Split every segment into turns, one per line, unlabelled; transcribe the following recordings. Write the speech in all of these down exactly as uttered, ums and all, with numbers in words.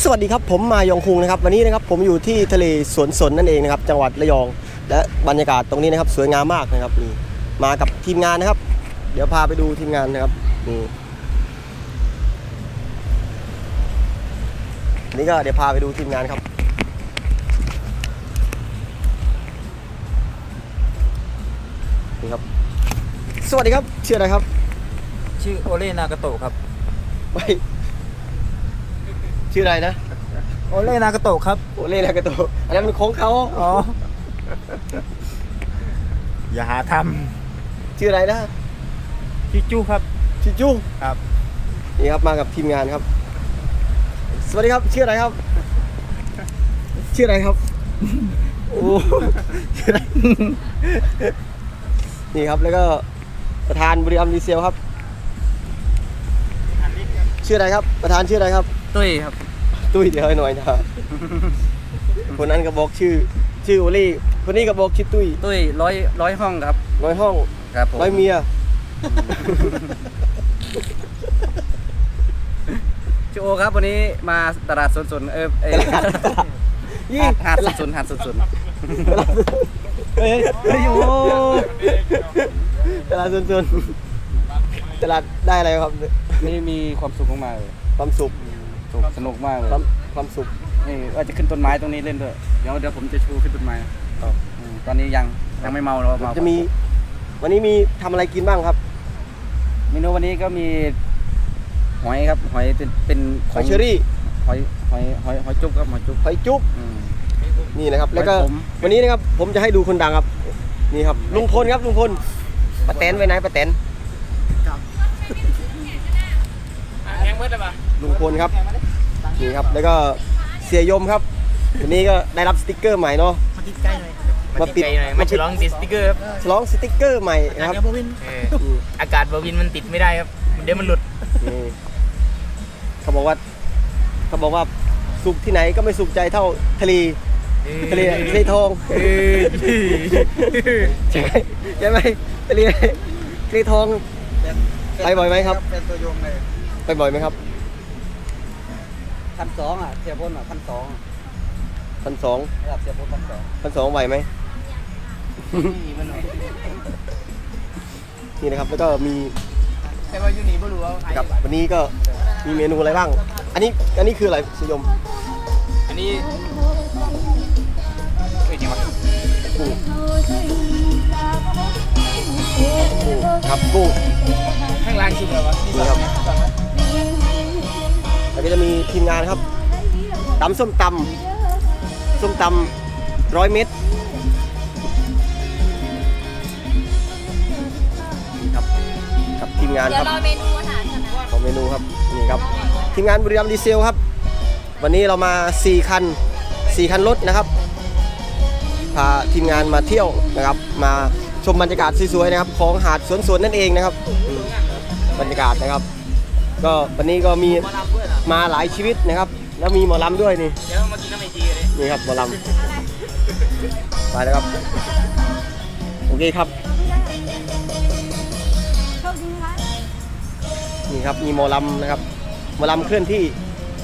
สวัสดีครับผมมายองคุงนะครับวันนี้นะครับผมอยู่ที่ทะเลสวนสนนั่นเองนะครับจังหวัดระยองและบรรยากาศตรงนี้นะครับสวยงามมากนะครับนี่มากับทีมงานนะครับเดี๋ยวพาไปดูทีมงานนะครับนี่นี่ก็เดี๋ยวพาไปดูทีมงานครับนี่ครับสวัสดีครับชื่ออะไรครับ
ชื่อโอเล่นากาโตะครับ
ไม่ชื่ออะไรนะ
โอเล่นากาโตะครับ
โอเล่นากาโตะอันนั้นมันของเขา
อ๋ออย่าหาท
ำชื่ออะไรนะ
ชิจูครับ
ชิจู
ครับ
นี่ครับมากับทีมงานครับสวัสดีครับชื่ออะไรครับชื่ออะไรครับโอ้ชื่ออะไรนี่ครับแล้วก็ประธานบริษัทดีเซลครับชื่ออะไรครับประธานชื่ออะไรครับ
ตุ้ยครับ
ตุ้ยเดี๋ยวให้หน่อยนะคนนั้นก็บอกชื่อชื่อโอลี่คนนี้ก็บอกชื่อตุ้ย
ตุ้ยร้อยร้อยห้องครับ
ร้อยห้อง
ครับผม
ร้อยเมีย
ชื่อโอครับวันนี้มาตลาดสนๆเออเออ
ยี่
หาดสนๆหาดสนๆ
เฮ้ยเฮ้ยโอ้ตลาดสนๆตลาดได้อะไรครับ
นี่มีความสุขมากเลย
ความสุข
สนุกมากเลย
ความความสุข
นี่ว่าจะขึ้นต้นไม้ตรงนี้เล่นด้วยเดี๋ยวเดี๋ยวผมจะชูขึ้นต้นไม้ตอนนี้ยังยังไม่เมาเราเมา
จะมีวันนี้มีทำอะไรกินบ้างครับ
เมนูวันนี้ก็มีหอยครับหอยเป็นเป็น
หอยเชอรี่
หอยหอยหอยหอยจุ๊บครับหอยจุ๊บ
หอยจุ๊บนี่นะครับแล้วก็วันนี้นะครับผมจะให้ดูคนดังครับนี่ครับลุงพลครับลุงพลป้าแตนไว้ไหนป้าแตน
แพงเมื่อไหร่ปะ
ลุงพลครับนี่ครับแล้วก็เสียยมครับวันนี้ก็ได้รับสติ๊กเกอร์ใหม่เนาะ
มาติดใกล้หน่อยมาติดใกล้หน่อยมาฉลองติดสติ๊กเกอร์ครับ
ฉลองสติ๊กเกอร์ใหม่นะครับ
อากาศบวินมันติดไม่ได้ครับเดี๋ยวมันหลุด
เขาบอกว่าเขาบอกว่าสุขที่ไหนก็ไม่สุขใจเท่าทะเลทะเลทะเลทองใช่ไหมใช่ไหมทะเลทะเลทองไปบ่อยไหมครับ
เป็นตัวยงเลย
ไปบ่อยไหมครับ
พันสองอ่ะเสียพ้นอ่ะพันสอง
พันสอง
ระดับเสียพ้นพันสอง
พันสองไหวไหมนี่นะครับแล้วก็มี
แต่ว่ายูนีไม่รู้ว่า
ครับวันนี้ก็มีเมนูอะไรบ้างอันนี้อันนี้คืออะไรสยม
อันนี้เอ้ยจริงวะ
กุ้งครับกุ้ง
ข้างล่างชิมเลยวะ
นี่ครับแล้วก็จะมีทีมงานครับตำส้มตำส้มตำร้อยเม็ดครับครับทีมงานครับ
เดี๋ยวรอเมนูอาหารก่อนนะ
ของเมนูครับนี่ครับทีมงานบุรีรัมย์ดีเซลครับวันนี้เรามาสี่คันสี่คันรถนะครับพาทีมงานมาเที่ยวนะครับมาชมบรรยากาศสวยๆนะครับของหาดสวนสวนนั่นเองนะครับบรรยากาศนะครับก็วันนี้ก็มีมาหลายชีวิตนะครับแล้วมีหมอลำด้วยนี่
เดี๋ยวมากินน้ำเมจีเลย
นี่ครับหมอลำไปแล้วครับโอเคครับนี่ครับมีหมอลำนะครับหมอลำเคลื่อนที่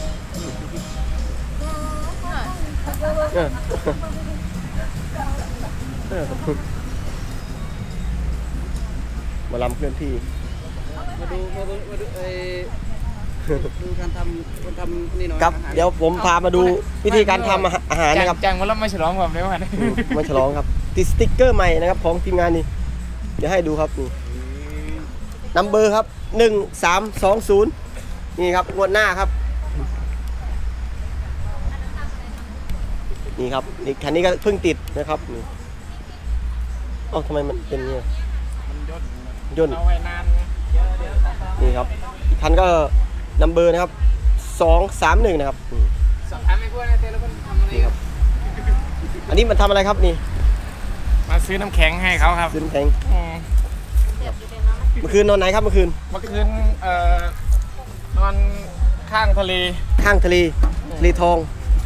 หมอลำเคลื่อนที่
มาดูมาดูมาดูไอ้ดูการทำคนทำนี่หน่อย
ครับเดี๋ยวผมพามาดูวิธีการทำอาหารนะครับ
จังวันละไม่ฉลองแบบนี้วัน
ไม่ฉลองครับติดสติ๊กเกอร์ใหม่นะครับของทีมงานนี่เดี๋ยวให้ดูครับนี่นัมเบอร์ครับหนึ่งสามสองศูนย์นี่ครับงวดหน้าครับนี่ครับนี่คันนี้ก็เพิ่งติดนะครับนี่เอ้าทำไมมันเป็นเงี้ยย่นเอาไว้นานนี่ครับอีกคันก็นัมเบอร์นะครับสองสามหนึ่งนะครับ
สอบถามไม่พูดนะเต้แล้วมันทำอะไรครับ
อันนี้มันทำอะไรครับนี่
มาซื้อน้ำแข็งให้เขาครับ
ซื้อน้ำแข็งเมื่อคืนนอนไหนครับเมื่อคืน
เมื่อคืนเอ่อนอนข้างทะเล
ข้างทะเลทะเลทอง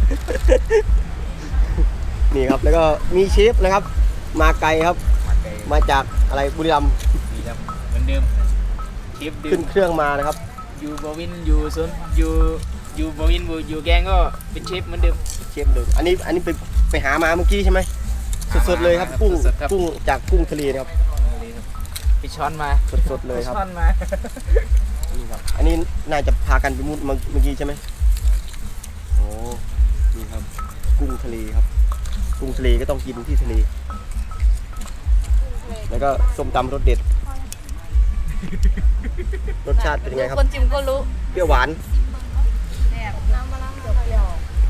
นี่ครับแล้วก็มีเชฟนะครับมาไกลครับมาจากอะไรบุรีรัมย์
เหมือนเดิมเชฟ
ขึ้นเครื่องมานะครับ
อยู่บวินอยู่สนอยู่
อยู่บวินอยู่แกงก็เป็นเชฟเหมือนเดิม
เชฟเลยอันนี้อันนี้ไปไปหามาเมื่อกี้ใช่ไหมสดๆเลยครับกุ้ง
สดๆครับ
กุ้งจากกุ้งทะเลนะครับ
ไปช้อนมา
สดๆเลยครับ
ช้อนมา
นี่ครับอันนี้น่าจะพากันไปมุดเมื่อกี้ใช่ไหมโอ้นี่ครับกุ้งทะเลครับกุ้งทะเลก็ต้องกินที่ทะเลแล้วก็ส้มตำรสเด็ดรสชาติเป็นยังไงครับ
คนจิมก็รู้
เปรี้ยวหวาน
แบบน้ำมะนาวเปรี้ยว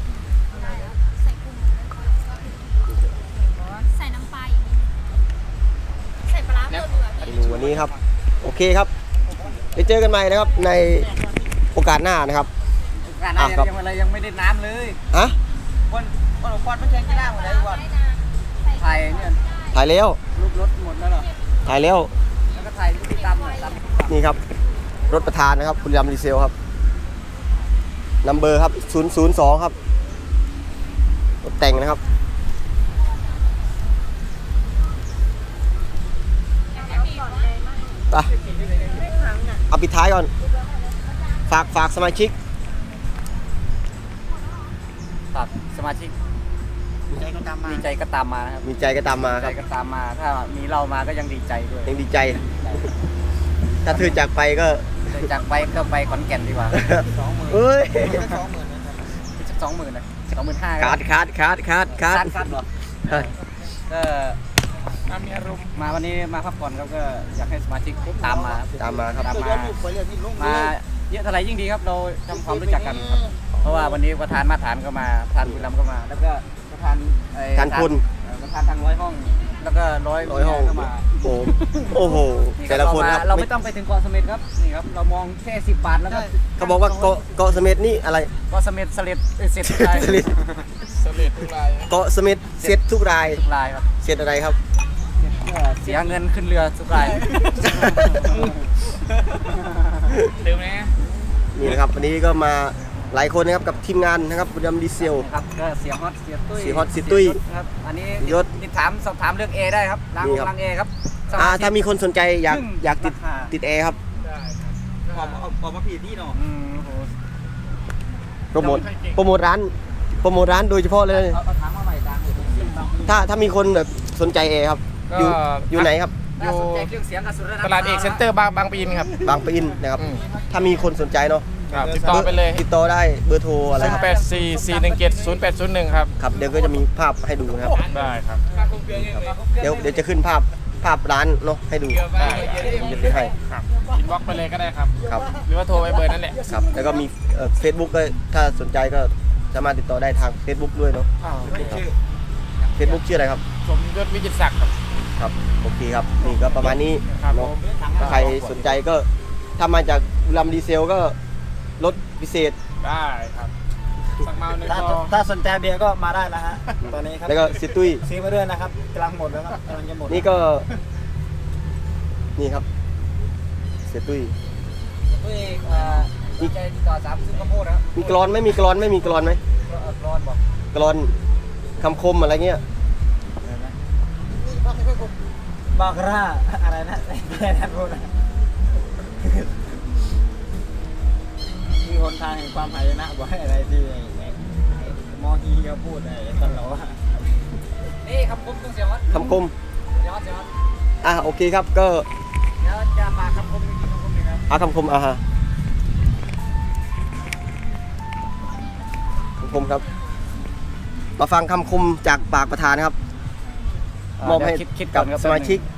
ใส่น้ำปลาอย่างนี้ใส่ปลาร้าเพิ่มดีกว่า
เมนูวันนี้ครับโอเคครับเดี๋ยวเจอกันใหม่นะครับในโอกาสหน้านะครับ
งานอะไรยังอะไรยังไม่ได้น้ำเลย
อะ
คนคนควันไม่ใช่กีฬาหมดเลยวันไทยเนี่ย
ถ่ายแล้ว
รูปรถหมดแล้วเหรอ
ถ่ายแล้ว
แล้วก็ไทยที่ตำหน่อยตำ
นี่ครับรถประธานนะครับบุรีรัมย์ดีเซลครับนัมเบอร์ครับศูนย์ ศูนย์ สองครับรถแต่งนะครับไปเอาปิดท้ายก่อนฝากฝากสมาชิก
ครับสมาชิกดีใจก็ตามมาดีใจก็ตามมานะครับ
มีใจก็ตามมา
ดี
ค
ใจ
รับ
ก็ตามมาถ้ามีเรามาก็ยังดีใจด้วย
ยังดีใจ ถ้าเธอจากไปก็
จากไปก็ไปขอนแก่นดีกว่าสองหมื่น
เอ้ย
สองหมื่นสองหมื่นนะสองหมื่นห้า
คาดคาดคาดคาดคาด
คัดเหรอก็มีอารมณ์มาวันนี้มาพักผ่อนครับก็อยากให้สมาชิกตามมา
ตามมาครับ
ตามมามาเยอะเท่าไหร่ยิ่งดีครับเราทำความรู้จักกันครับเพราะว่าวันนี้ประธานมาตรฐานก็มาประธานบุรีรัมย์ก็มา แล้วก็ประธานไอ้
ทานคุณ
เอ่อประธานทางร้อยห้อง แล้วก็ร้อย
ร้อยห้อง
ก็มา
โอ้โหโอ้โห แต่ละคนครับ
เราไม่ต้องไปถึงเกาะเสม็ดครับนี่ครับเรามองแค่สิบบาทแล้วก็
เขาบอกว่าเกาะเกาะเสม็ดนี่อะไร
เกาะเสม็ดเสล็ดเอ้ยเสร็จทุกราย
เสม็ด
สำเร็จทุกราย
เกาะเสม็ดเสร็จทุกราย
ทุกรายครับ
เสร็จอะไรครับ
เสียเงินขึ้นเรือทุกราย
เติมไหม
นี่นะครับวันนี้ก็มาหลายคนนะครับกับทีมงานนะครับบุรีรัมย์ดีเซล
ครับก็เสียฮอตเสียตุ้ย
เสียฮอตเสียตุ้ย
ครับอันนี้
ยศ
ติดถามสอบถามเรื่อง A ได้ครับล้าง
นี่ครับ
ล้าง A ครับส
อ่า
ชิก
ถ้ามีคนสนใจอยาก
ซึ่ง
อยากติด
ราคา
ติดแอร์ครับ
ออกมาออกมาผิดที่เนาะอืมโห
โปรโมทโปรโมทร้านโปรโมทร้านโดยเฉพาะเลย
เอาเอาถามมาใหม่ตามเลย
ถ้าถ้ามีคนแบบสนใจแอร์ครับ อยู่อยู่ไหนครับ
น่าสนใจเครื่องเสียงกับสุดระดับ
ตลาดเอกเซ็นเตอร์บางบางปีนครับ
บางปะอินนะครับ
อืม
ถ้ามีคนสนใจเนาะ
ครับติดต่อไปเลย
ติดต่อได้เบอร์โทรอะไร
ศูนย์แปดสี่สี่หนึ่งเจ็ดศูนย์แปดศูนย์หนึ่งครับ
ครับเดี๋ยวก็จะมีภาพให้ดูนะครับ
ได้ครับ
เดี๋ยวเดี๋ยวจะขึ้นภาพภาพร้านเนาะให้ดู
ได้
ผมจะขึ้นให้
ครับอินบ็อกไปเลยก็ได้ครับ
ครับ
หรือว่าโทรไปเบอร์นั่นแหละ
ครับแล้วก็มีเฟซบุ๊กก็ถ้าสนใจก็สามารถติดต่อได้ทาง Facebook ด้วยเนาะเฟซบุ๊กชื่ออะไรครับ
สมยศวิจิตรศักดิ์ครับ
ครับโอเคครับนี่ก็ประมาณนี้
ครับผ
เนาะ
ม
ถ้าใครสนใจก็ถ้ามาจากบุรีรัมย์ดีเซลก็ลดพิเศษ
ได้ครับสักเมาหนึ่ง
ถ้า
ก็
ถ้าสนใจเบียร์ก็มาได้นะฮะ ตอนนี้ครับ
แล้วก็ซิตุ้ย
ซื้อมาด้วยนะครับกำลังหมดแล้วครับกำลังจะหมด
นี่ก็ นี่ครับเสียตุ้ย
ตุ้ยเอ่อดีใจติดต่อสามซื้อข้าวโพดนะครับ
มีกรอนไหมมีกรอนไหมมีกรอนไหม
เอ่อกรอนบอก
กรอนคำคมอะไรเงี้ย
บอกร่าอะไรนะแค่นั้นพูดนะมีคนทางแห่งความหายนะบอกให้อะไรที่ไอ้ไอ้ไอ้มอฮีเขาพูดไอ้ตลอดว่า
นี่คำคมต้องเสียงวัด
คำคม
เสียงวัดเสียงวัด
อ่ะโอเคครับก็
เดี๋ยวจะมาคำคมจริงๆคำคมหนึ่งครับ
เอาคำคมอ่ะฮะคำคมครับ มาฟังคำคมจากปากประธานครับ มอบให้
เดี๋ยวคิดคิด
กับ
ก่อนครับ
สมาชิก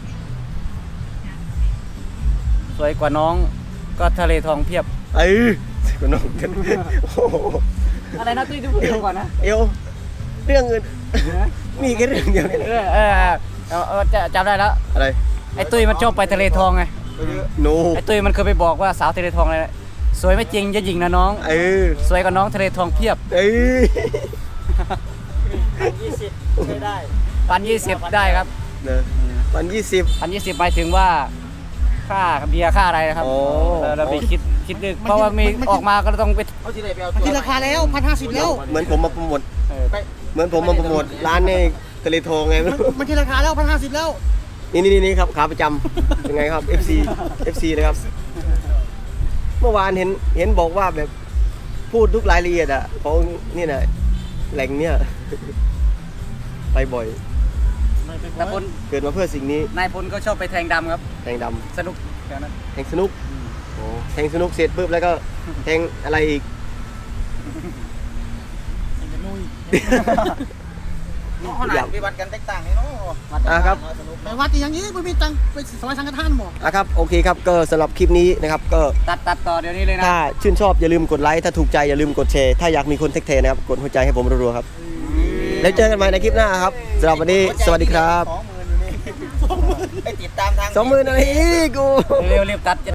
สวยกว่าน้องก็ทะเลทองเพียบ
เอ้ยคุณน้องกันโอ้โห
อะไรนะตุ้ยจะพูดเรื่องก่อนนะ
เอวเรื่องอื่นมีแค่เรื่องเดียวเนี่ย
เออเออเออเออจะจำได้แล้ว
อะไร
ไอ้ตุ้ยมันชอบไปทะเลทองไง
โน
ไอ้ตุ้ยมันเคยไปบอกว่าสาวทะเลทองอะไรนะสวยไม่จริงจะหญิงนะน้อง
เออ
สวยกว่าน้องทะเลทองเพียบ
เอ้ย
ยี่สิบไม่ได้
พันยี่สิบได้ครับ
เนอะวันยี่สิบ
พันยี่สิบหมายถึงว่าค่าเบียร์ค่าอะไรนะครับ
โอ้
เราเราไปคิดคิดดึกเพราะว่ามีออกมาก็ต้องไป
มันที่ราคาแล้วพันห้าสิบแล้ว
เหมือนผมมาโปรโมท
เออ
เหมือนผมมาโปรโมทร้านในทะเลทองไงไม่รู้
มันที่ราคาแล้วพันห้าสิบแล้ว
นี่นี่นี่ครับขาประจำยังไงครับ เอฟ ซี เอฟ ซี เลยครับ เมื่อวานเห็นเห็นบอกว่าแบบพูดทุกรายละเอียดอ่ะของนี่นะแหล่งเนี่ย ไปบ่อย
นายพล
เกิดมาเพื่อสิ่งนี้
นายพลก็ชอบไปแทงดำครับ
แทงด
สนุกแถวนั้น
ำแทงสนุกโอ้แทงสนุกเสร็จปุ๊บแล้วก็แทงอะไรอีก
เขาหนาปฏิบัติกันแตกต่างนี่เนาะ
อ่ะครับ
สนุก
ไปวัดอย่างนี้ไม่มีตังค์ไปสมัยสังฆทานหมด
อ่ะครับโอเคครับก็สำหรับคลิปนี้นะครับก็
ตัดตัดต่อเดี๋ยวนี้เลยนะ
ถ้าชื่นชอบอย่าลืมกดไลค์ถ้าถูกใจอย่าลืมกดแชร์ถ้าอยากมีคนเทคเทนะครับกดหัวใจให้ผมรัวๆครับแล้วเจอกันใหม่ในคลิปหน้าครับสำหรับวันนี้สวัสดีครับ
สองหมื่นอยู่นี่ไปติดตามทาง
สองหมื่นอะไรอีกกู
เร็วๆรีบตัด